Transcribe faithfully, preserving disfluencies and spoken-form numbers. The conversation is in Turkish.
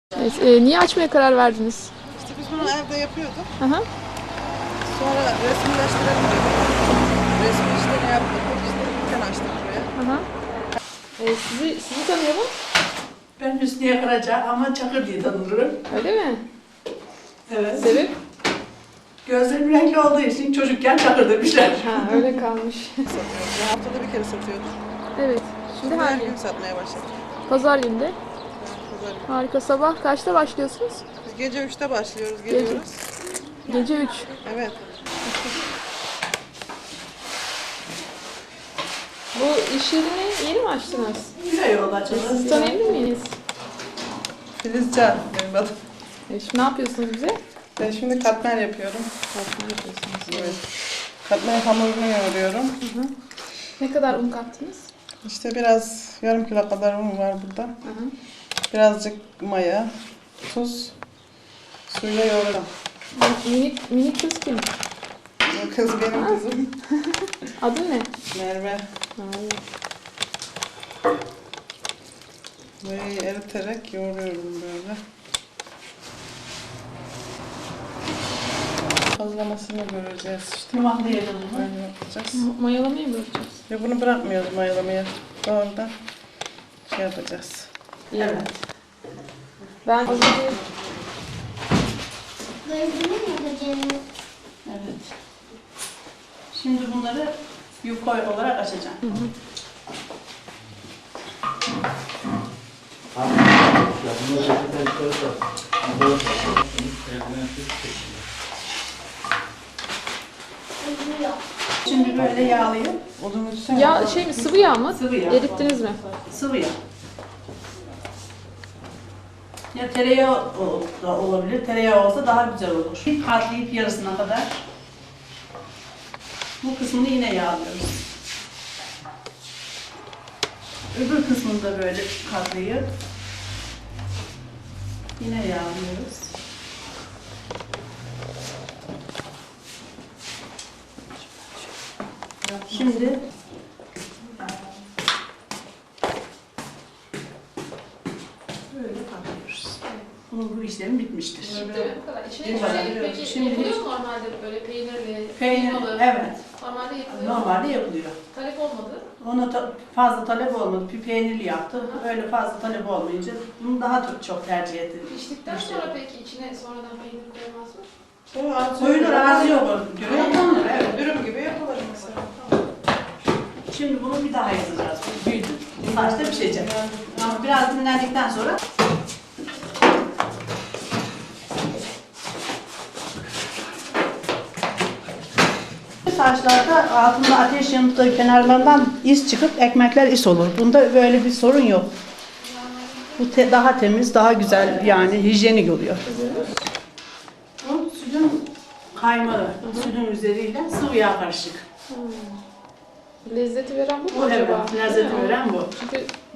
Evet, e, niye açmaya karar verdiniz? İşte biz bunu evde yapıyorduk. Aha. Sonra resimleştirelim dedik. Resim işlerini yaptık. İşte dükkan açtık buraya. Aha. E, sizi sizi tanıyalım. Ben Hüsniye Karaca ama Çakır diye tanınırım. Öyle mi? Evet. Sebep? Gözlerim renkli olduğu için çocukken Çakır demişler. Ha, öyle kalmış. Satıyoruz. Ya haftada bir kere satıyorduk. Evet. Şimdi Şimdi her hangi? gün satmaya başladık. Pazar günde. Yani pazar günü. Harika. Sabah kaçta başlıyorsunuz? Biz gece üçte başlıyoruz, geliyoruz. Gece üç. Evet. Bu iş yerini yeni mi açtınız? Bir ay oldu açıldı. Sizi tanıyabilir miyiz? Filizcan benim adım. E, şimdi ne yapıyorsunuz bize? Ben şimdi katmer yapıyorum. Katmer yapıyorsunuz. Evet. Katmer hamurunu yoğuruyorum. Hı hı. Ne kadar un kattınız? İşte biraz yarım kilo kadar un var burada. Hı hı. Birazcık maya, tuz, suyla yoğuruyorum. Minik, minik kız kim? Bu kız benim kızım. Adı ne? Merve. Hayır. Mayayı eriterek yoğuruyorum böyle. Hazırlamasını göreceğiz işte. Yumaklayalım bunu. Böyle yapacağız. Mayalamayı mı bırakacağız? Ve bunu bırakmıyoruz mayalamaya. Doğrudan şey yapacağız. Evet. Ben az önce Evet. Şimdi bunları yufka olarak açacağım. Hı hı. Şimdi böyle yağlayıp Odun üstüne ya şey mi, sıvı yağ mı? Sıvı yağ. Erittiniz mi? sıvı yağ. Ya tereyağı o- da olabilir. Tereyağı olsa daha güzel olur. Bir katlayıp yarısına kadar bu kısmını yine yağlıyoruz. Öbür kısmını da böyle katlayıp yine yağlıyoruz. Şimdi böyle katlıyoruz. Bunun bu işlemi bitmiştir. Bu kadar. İçine Bir kadar. şey, peki Şimdi- yapılıyor mu normalde böyle peynirli, Peynir, kıymalı? evet. Normalde yapılıyor. Normalde yapılıyor. Talep olmadı. Ona ta- fazla talep olmadı. Bir peynirli yaptı. Öyle fazla talep olmayınca bunu daha çok- çok tercih ettim. Piştikten Müşteri. sonra peki içine sonradan peynir koyamaz mı? Koyulur, ağzı yok onun. Göre yapılır, evet. Dürüm gibi yapılır mesela. Şimdi bunu bir daha yazacağız. Büyüdü. Saçta pişecek. Ama biraz dinlendikten sonra saçlarda altında ateş yanıp kenarlarından iz çıkıp ekmekler is olur. Bunda böyle bir sorun yok. Bu te- daha temiz, daha güzel yani hijyenik oluyor. Bu sütün kaymağı, sütün üzeriyle sıvı yağ karışık. Lezzeti veren bu mu Bu evet, acaba? lezzeti Değil mi? veren bu. Çünkü